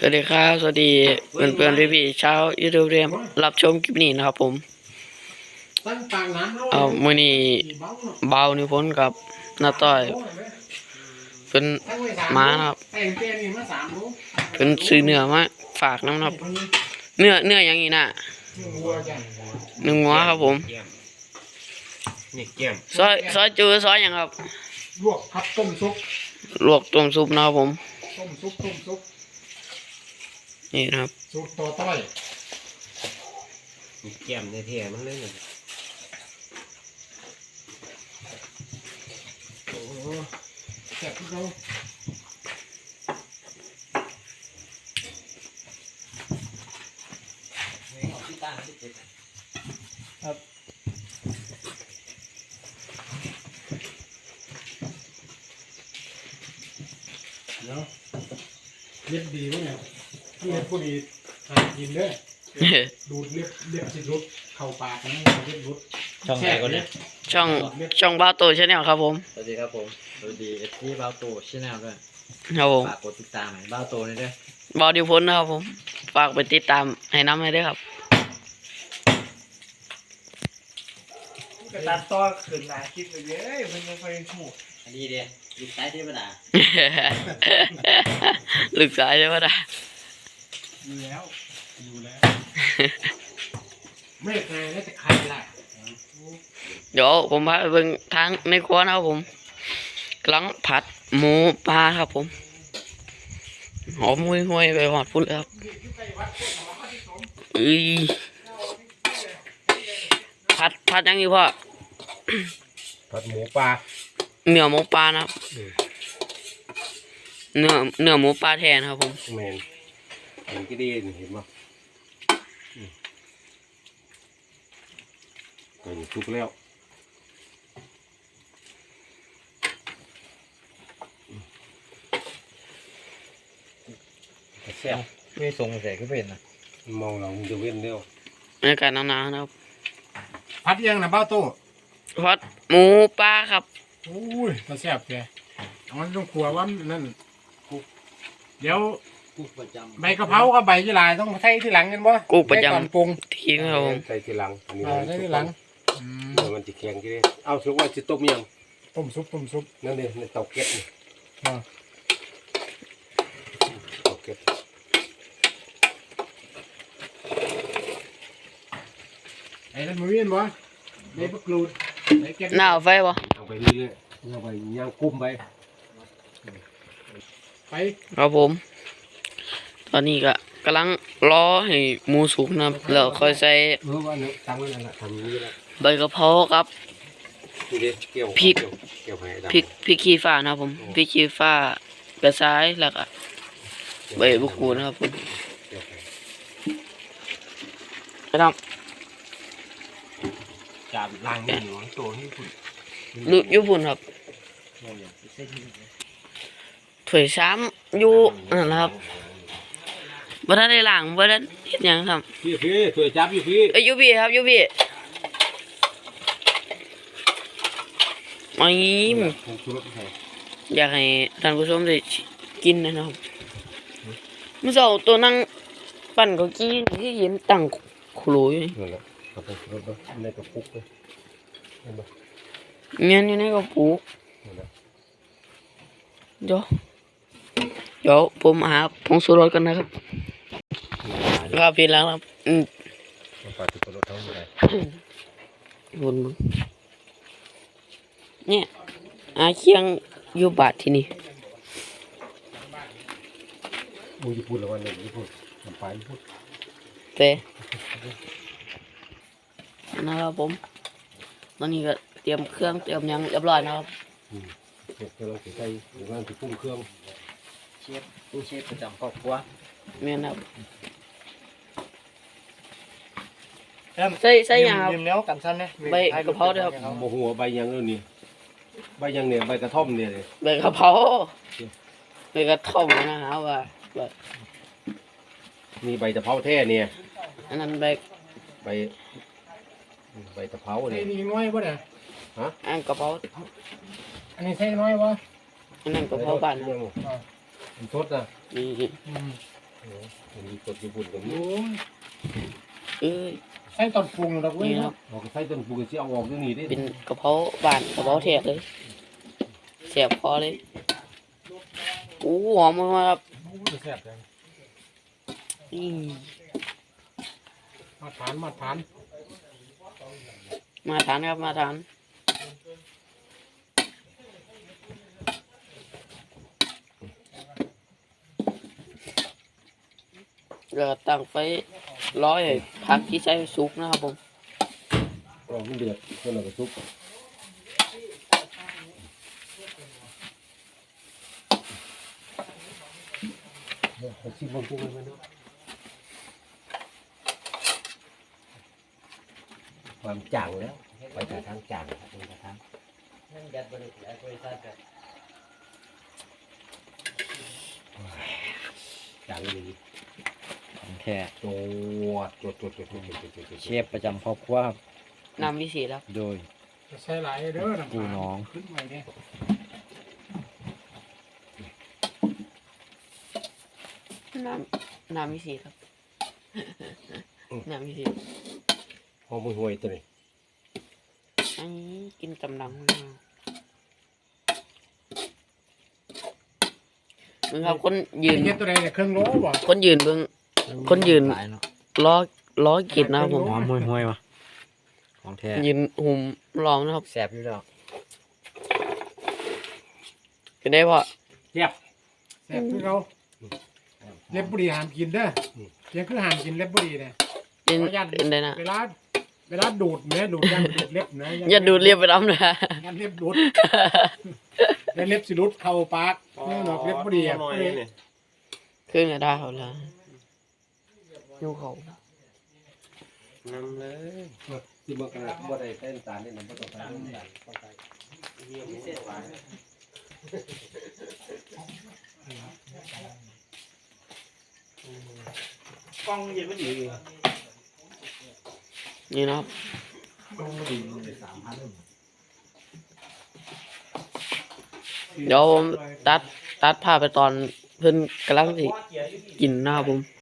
สวัสดีครับสวัสดีเพื่อนๆพี่ๆชาวยูทูบเรียมรับชมคลิปนี้นะครับผมมื้อนี้เบานิพนธ์กับน้าต้อยเป็นม้านะครับเป็นซื้อเนื้อมาฝากน้ำนะครับเนื้ออย่างนี้น่ะเนื้องัวครับผมซอยจูซอยอย่างครับลวกครับต้มซุปลวกต้มซุปนะครับผมต้มซุปนี่นะครับซุปต่อต้อยแก้มในเทียมันเลยโอ้แซ่บที่เขาครับเนาะเล็บดีวะเนี่ยเล็บพวกนี้หากินเด้อดูดเล็บสิรุดเข้าปากนะเล็บรุดช่องไหนก็เนี่ยช่องบ้าโตชาแนลครับผมสวัสดีครับผมสวัสดีที่บ้าโตชาแนลด้วยครับผมฝากกดติดตามให้บ้าโตนี่ด้วยบอดิพนนะครับผมฝากไปติดตามให้น้ำให้ด้วยครับกระตัดต่อขึ้นหลายคลิปเลยเย้ยมันยังไปถูกอันนี้เดียลูกสายเทวดาลึกสายใช่ไหมล่ะอยู่แล้วไม่เคยแล้วจะใครล่ะเดี๋ยวผมพาไปเบิ่งทางในครัวนะครับผมกำลังผัดหมูปลาครับผมหอมห่วยๆไปหอดพุ่นเลยครับผัดยังอยู่พ่อผัดหมูปลาเนื้อหมูปลานะครับเนื้อหมูปลาแทนครับผมแมนเห็นกี่ดีเห็นมั้ยก็อยู่ทุกแล้วแซ่บไม่ทรงใส่ก็เป็นนะมองเราจะเว้นเดียวในการหนาวๆนะครับพัดยังนะเบ้าโต้ผัดหมูปลาครับโอ้ยมาแซ่บแกมันต้องครัวว่านั่นเดี๋ยวใบกะเพรากับใบยี่หร่าต้องใส่ที่หลังกันบ่กูประจำปรุงทิ้งครับผมใส่ที่หลังอันนี้ใส่ที่หลังเดี๋ยวมันจะแข็งกี่เอาสุกว่าจะต้มยังต้มซุปนั่นเองในเตาแก๊สนี่เตาแก๊สไอ้นั่นมือเวียนบ่ไอ้พวกกรูดไอ้แก๊สหน้าไฟบ่เอาไปเรื่อยๆเอาไปย่างกุ้มไปครับผมตอนนี้ก็กำลังรอให้หมูสุกนะครับแล้วค่อยใส่ใบกะเพราครับพริกขี้ฟ้านะครับผมพริกขี้ฟ้ากระชายแล้วก็ใบบุกูนะครับผมไปทำจับล้างนี่หนูตัวที่คุณลุยญี่ปุ่นครับถ้วยซ้ำอยู่นั่นนะครับบ่ทันได้ล้างบ่ทันเฮ็ดหยังครับพี่ถ้วยจับอยู่พี่อยู่พี่ครับอยู่พี่ไม่อยากให้ท่านผู้ชมได้กินนะครับเมื่อเช้าตัวนั่งปั่นเก้าอี้ที่เห็นตั้งโคโลอยู่นั่นแหละครับในกระปุกเลยเงี้ยอยู่ในกระปุกเดี๋ยวผมหาผงชูรสกันนะครับครับพี่แล้วครับปลาติดรสเท่าไหร่วนเนี่ยเคียงอยู่บาทที่นี่มูญี่ปุ่นหรือว่าเนี่ยญี่ปุ่นน้ำปลาญี่ปุ่นเต้นะครับผมตอนนี้ก็เตรียมเครื่องเตรียมยังเรียบร้อยนะครับกำลังใส่หรืองานที่ปรุงเครื่องเชฟประจำครอบครัวแม่นะครับใส่ยังครับเนี้ยกันสั้นเนี่ยใบกะเพราด้วยครับโอ้โหใบยังนี่ใบยังเนี่ยใบกระท่อมเนี่ยเลยใบกะเพราใบกระท่อมนะฮะว่ามีใบตะเภาแท้เนี่ยอันนั้นใบตะเภาเนี่ยนี่น้อยป่ะเนี่ยฮะอันกะเพราอันนี้ใช่น้อยป่ะอันนั้นกะเพราบ้านมันสดนะนี่มีกดญี่ปุ่นกับนี้โอ้ยเอ้ยใส่ตอนปรุงดอกเว้ยนี่นะคเนาะรับออกใส่ต้นปูกันสิเอาออกตรงนี้ได้เป็นกระเพราบ้านกระเพราแทะเลยเสียบคอเลยโอ้หอมมากครับโอ้ยแซ่บจังอืมมาทานมาทานมาทานครับมาทานเราตั้งไฟร้อยให้ผักที่ใช้สุกนะครับผมออกมันเดือดเพื่อนเราก็ซุปเอาชิมบางตัวมันเนาะความจางแล้วไปแต่ทางจางครับไปแต่ทางนั่นยัดบริษัทบริษัทแบบจางเลยของแท้ตัวเชฟประจำครอบครัวครับน้ำวิเศษครับโดยจะใส่หลายเด้อน้ำปูน้องขึ้นไว้เนี่ยน้ำวิเศษครับ น้ำวิเศษหอมห่วยตัวนี้อันนี้กินกำลังมึงครับคนยืนเฮ็ดตัวใดเนี่ยเครื่องโลบ่คนยืนเบิ่งคนยืนหลายเนาะล้อกินนะครับผมหอมห่วยๆว่ะของแท้ยืนหุ่มลองนะครับแซ่บอยู่แล้วเป็นได้พอแซ่บคือเขาเล็บบุรีห้ามกินเด้อเพียงคือห้ามกินเล็บบุรีเนี่ยเป็นขออนุญาตเป็นได้นะเวลาดูดเนี่ยดูดยันดูดเล็บนะอย่าดูดเรียบไปน้ำนะยันเล็บดูดแล้วเล็บสิรุดเข้าปากเนี่ยดอกเล็บบุรีอ่ะขึ้นกระดาษเขาแล้วยูเขานำเลยที่มันกระบ่ได้ใส่น้ำตาลนี่นะบ่ต้องใส่น้ำตาลต้องใส่พิเศษหวานกล้องยังไม่ดีเลยนี่นะครับ เดี๋ยวผมตัดภาพไปตอนเพิ่นกำลังสิกินนะครับผม